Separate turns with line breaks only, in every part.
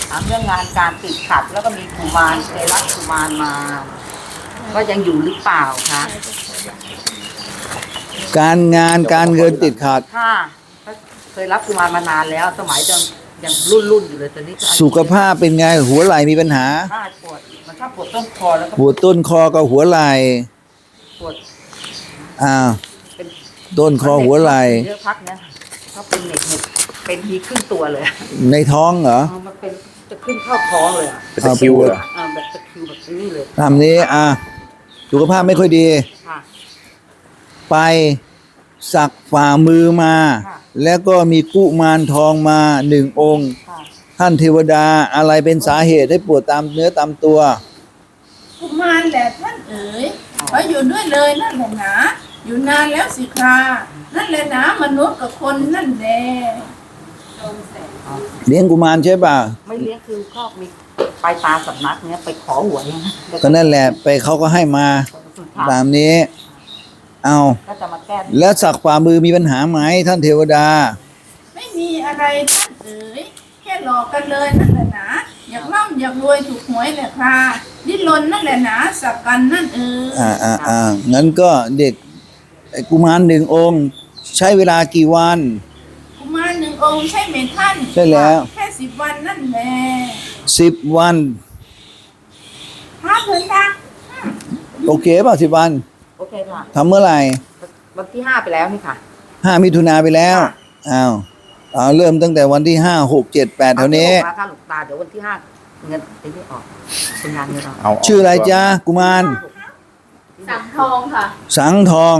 ถามเรื่องงานการติดขัดแล้วก็มีกุมารเคยรับกุมารมาก็ยังอยู่หรือเปล่าคะ
การงานการเงินติดขัด
ค่ะเคยรับกุมารมานานแล้วสมัยยังรุ่นอยู่เลยตอนนี้
สุขภาพเป็นไงหัวไหล่มีปัญหา
ปวดมันชอบปวดต้นคอแล้วก็
ปวดต้นคอกับหัวไหล่
ปวด
ต้นคอหัวไหล่
เยอะพักเนี่ยเขาเป็นเน็ตเป็นทีครึ่งตัวเลย
ในท้องเหรอ
มันเป็นจะขึ้นเข้าท้องเลย
เป็นตะคริวเหรอ
แบบตะคริวแบบนี้เลย
ทำนี้สุขภาพไม่ค่อยดีไปสักฝ่ามือมาแล้วก็มีกุมารทองมา1 องค์ท่านเทวดาอะไรเป็นสาเหตุให้ปวดตามเนื้อตามตัว
กุมารแหละท่านเอ๋ยขออยู่ด้วยเลยนั่นแหละนะอยู่นานแล้วสิครานั่นแหละนะมนุษย์กับคนนั่นแหละ
เลี้ยงกุมารใช่ป่ะ
ไม่เลี้ยงคือก็มีไปตาสำนักเนี้ยไปขอหวย
ก็นั่นแหละไปเขาก็ให้มาตามนี้เอา
ก็จะมาแก้
แล้วสักฝ่ามือมีปัญหาไหมท่านเทวดา
ไม่มีอะไรท่านเอ๋ยแค่หลอกกันเลยนั่นแหละนะอยากร่ำอยากรวยถูกหวยแหละค่ะดิ้นรนนั่นแหละนะสักกันนั่นเอ๋
ยงั้นก็เด็กกุมาร1 องค์ใช้เวลากี่วัน
กุมาร1 องค์ใช่ไหมท่าน
ใช่แล้ว
แค่10 วันนั่นแหละ
10 วัน
ครับเพื่อนตา
โอเคป่ะ10 วัน
โอเคค่ะ
ทำเมื่อไหร่
วันที่5ไปแล้วนี่ค่ะ
5 มิถุนาไปแล้วเริ่มตั้งแต่วันที่5 6 7 8เท่านี้
ค่ะหลวงตาเดี๋ยววันที่5เงินไอ้นี่ออกเป็นงานเงิน
ออกชื่ออะไรจ๊ะกุมาร
สังทองค่ะ
สังทอง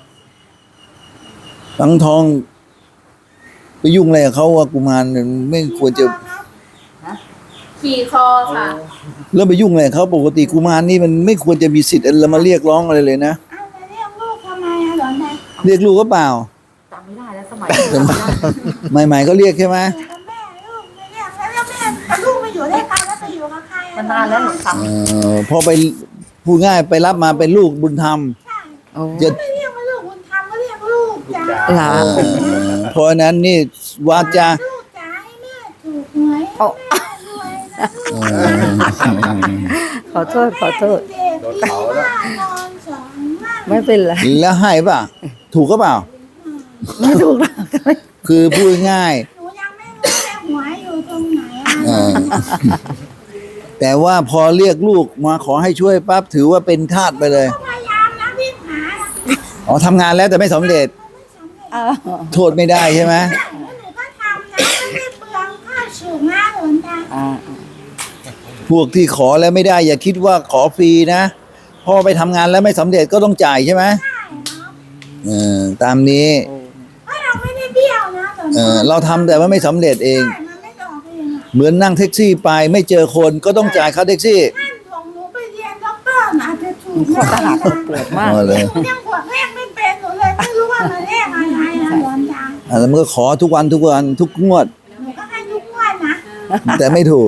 ไปยุ่งอะไรกับเขาว่ากุมารไม่ควรจะ
ขี่คอค่ะ
แล้วไปยุ่งอะไรเขาปกติกุมารนี่มันไม่ควรจะมีสิทธิ์อะไรมาเรียกร้องอะไรเลยนะ
เรียกลูกทำไมหลอนนะ
เรียกลูกก็เปล่า
จำไม่ได้แล้วสมัย
ใหม่ๆก็เรียกใช่ไหม
แม่ลูกไม่เรียกแล้วแม่ลูกไปอยู่ด้วยกันแล้วไปอยู่กับใคร
มันนานแล้วหนูท
ำพอไปพูดง่ายไปรับมาเป็นลูกบุญธรรม
จะไม่เรียกว่าลูกบุญธรรมก็เรียกลูกจ้า
เพราะนั้นนี่วาจา
ลูกจ้าให้แม่ถูกหวย
ขอโทษไม่เป็นไร
แล้วให้ป่ะถูกก็เปล่า
ไม่ถูกหรอก
คือพูดง่าย
หนูยังไม่รู้เลยหวยอยู่ตรงไหน
แต่ว่าพอเรียกลูกมาขอให้ช่วยปั๊บถือว่าเป็นทาสไปเลย
พยายามนะพี่หา
ทำงานแล้วแต่ไม่สำเร็จโทษไม่ได้ใช่ไหม
หนูก็ทำนะไม่ได้เปลืองค่าสูงนะหลวงตา
พวกที่ขอแล้วไม่ได้อย่าคิดว่าขอฟรีนะพอไปทำงานแล้วไม่สำเร็จก็ต้องจ่ายใช่ไหมตามนี้
เราไม่ได้เบี้ยวนะ
เราทำแต่ว่าไม่สำเร็จเองเหมือนนั่งแท็กซี่ไปไม่เจอคนก็ต้องจ่ายค่าแท็กซี่
ท่านส่งหนูไปเรียนด็อกเตอร์อาจจะถูก
ตลาดปวดมาก
เลย
หนูยังปวดแรกไม่เป็นหนูเลยไม่รู้ว่ามันแรกอะไรนะหลวงตา
แล้วมันก็ขอทุกวันทุกงวด
หนูก็ให้ทุกงวดนะ
แต่ไม่ถูก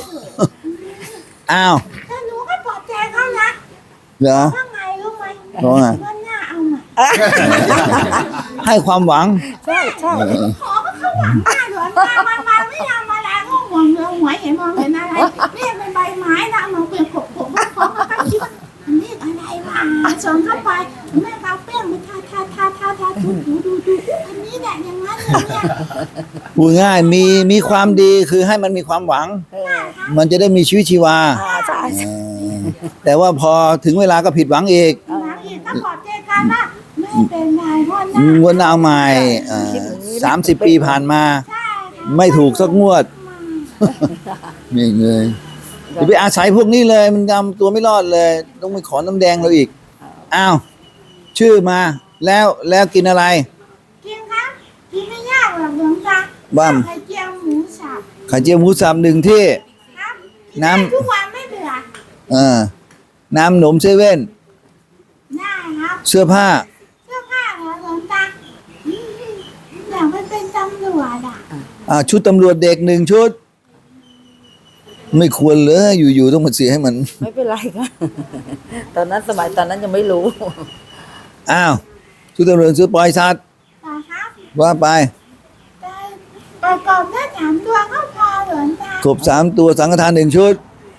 อ้าว
แต่หนูก็ปลอบใจเขานะ
เหรอ
ว่าไงรู้ไหม
ว่า
หน้าเอาใหม่
ให้ความหวัง
ใช่
ขอก็เขาหวังหน้าหลวงตามาไม่ทำอะไรก็ห่วงเรื่องหวยเห็นมองเห็นอะไรเรียกเป็นใบไม้นะมองเป็นขบเขาก็คิดว่าเรียกอะไรวะส่งเข้าไปแม่เอาเปี้ยงมาทาดูอันนี้แหละอย่างนั้นเนี่ย
พูดง่ายมีความดีคือให้มันมีความหวังมันจะได้มีชีวิตชีวาแต่ว่าพอถึงเวลาก็ผิดหวังอีก
ก็ขอเจกันว่าไม่เป็นไรง
วดหน้าใหม่30 ปีผ่านมาไม่ถูกสักงวดนี่เลยอย่าไปอาศัยพวกนี้เลยมันทำตัวไม่รอดเลยต้องไปขอน้ำแดงเราอีกอ้าวชื่อมาแล้วกินอะไร
กินครับกินไม่ยากหรอกหลวงตาไข่เจียวหมูสับ
1 ที่น้
ำทุกวันไม่เบื่อ
น้ำหนมเซเว่น
ได้ครับ
เสื้อผ้า
เหรอหลวงตาอยากเป็นตำรวจ
ชุดตำรวจเด็ก1 ชุดไม่ควรเลยอยู่ๆต้องมาเสียให้มัน
ไม่เป็นไรค่ะตอนนั้นยังไม่รู้
อ้าวชุดตำรวจซื้อปล่อยสัตว์ว่าไป
ประกอบได้3 ตัวก็พอหลวงตา
กบ3 ตัวสังฆทาน1 ชุด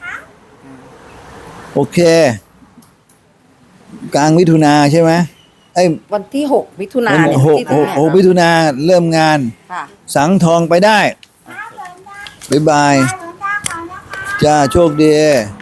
โอเค กลางมิถุนาใช่ไหมไอ้
วันที่6 มิถุนา
วัน
เนี่ย
หก
ที่ถึงเนี่ย
6 มิถุนาเริ่มงาน
ค่ะ
สังทองไปได้
หลวงตา
บ๊ายบาย
หลวงตาก่อนนะคะ
จ้าโชคดี